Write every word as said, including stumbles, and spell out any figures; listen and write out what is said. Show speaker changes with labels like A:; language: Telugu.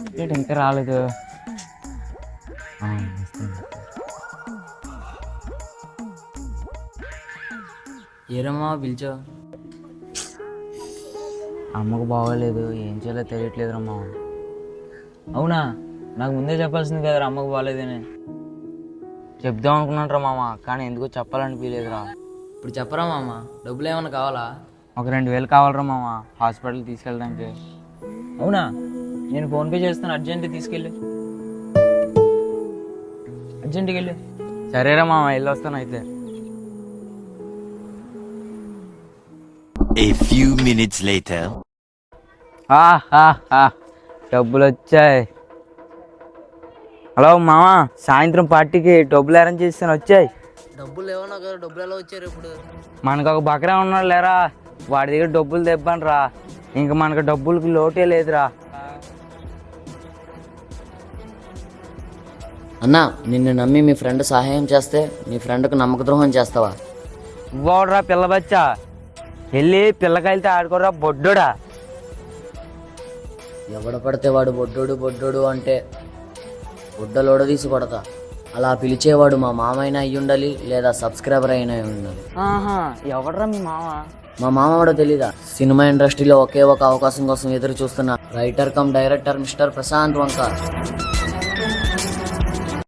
A: ఏంటి ఇంకా రాలేదు?
B: ఏరమ్మా పిలిచా?
A: అమ్మకు బాగోలేదు, ఏం చేయాలో తెలియట్లేదు రమ్మా. అవునా? నాకు ముందే చెప్పాల్సింది కదరా అమ్మకు బాగోలేదని. చెప్దాం అనుకున్నాను మామ, కానీ ఎందుకో చెప్పాలనిపించలేదురా.
B: ఇప్పుడు చెప్పరా మామ, డబ్బులు ఏమన్నా కావాలా?
A: ఒక రెండు వేలు కావాలరా మామ, హాస్పిటల్ తీసుకెళ్ళడానికి. అవునా? నేను ఫోన్పే చేస్తాను, అర్జెంట్ తీసుకెళ్ళి. అర్జెంట్కి వెళ్ళి. సరేరా మామ, వెళ్ళి వస్తాను అయితే.
C: A few minutes later.
A: డబ్బులు వచ్చాయి. హలో మామ, సాయంత్రం పార్టీకి డబ్బులు అరేంజ్ చేస్తాను, వచ్చాయి.
B: డబ్బులు ఏమన్నా కదా, డబ్బులు ఎలా వచ్చారు ఇప్పుడు?
A: మనకు ఒక బకరా ఉన్నాడు లేరా, వాడి దగ్గర డబ్బులు తెప్పను రా. ఇంక మనకు డబ్బులకి లోటే లేదురా.
B: అన్నా, నిన్ను నమ్మి మీ ఫ్రెండ్ సహాయం చేస్తే నీ ఫ్రెండ్కు నమ్మక ద్రోహం చేస్తావా?
A: ఇవ్వడురా పిల్ల బచ్చా, వెళ్ళి పిల్లకాయలతో ఆడుకోరా బొడ్డోడా.
B: ఎవడ పడితే వాడు బొడ్డోడు బొడ్డోడు అంటే బొడ్డలోడ తీసి కొడతా. అలా పిలిచేవాడు మా మామైనా అయ్యి ఉండాలి, లేదా సబ్స్క్రైబర్ అయినా అయి ఉండాలి.
A: ఆహా, ఎవడరా మీ మామ?
B: మా మామ కూడా తెలీదా? సినిమా ఇండస్ట్రీలో ఒకే ఒక అవకాశం కోసం ఎదురు చూస్తున్న writer cum director mister Prashant వంక.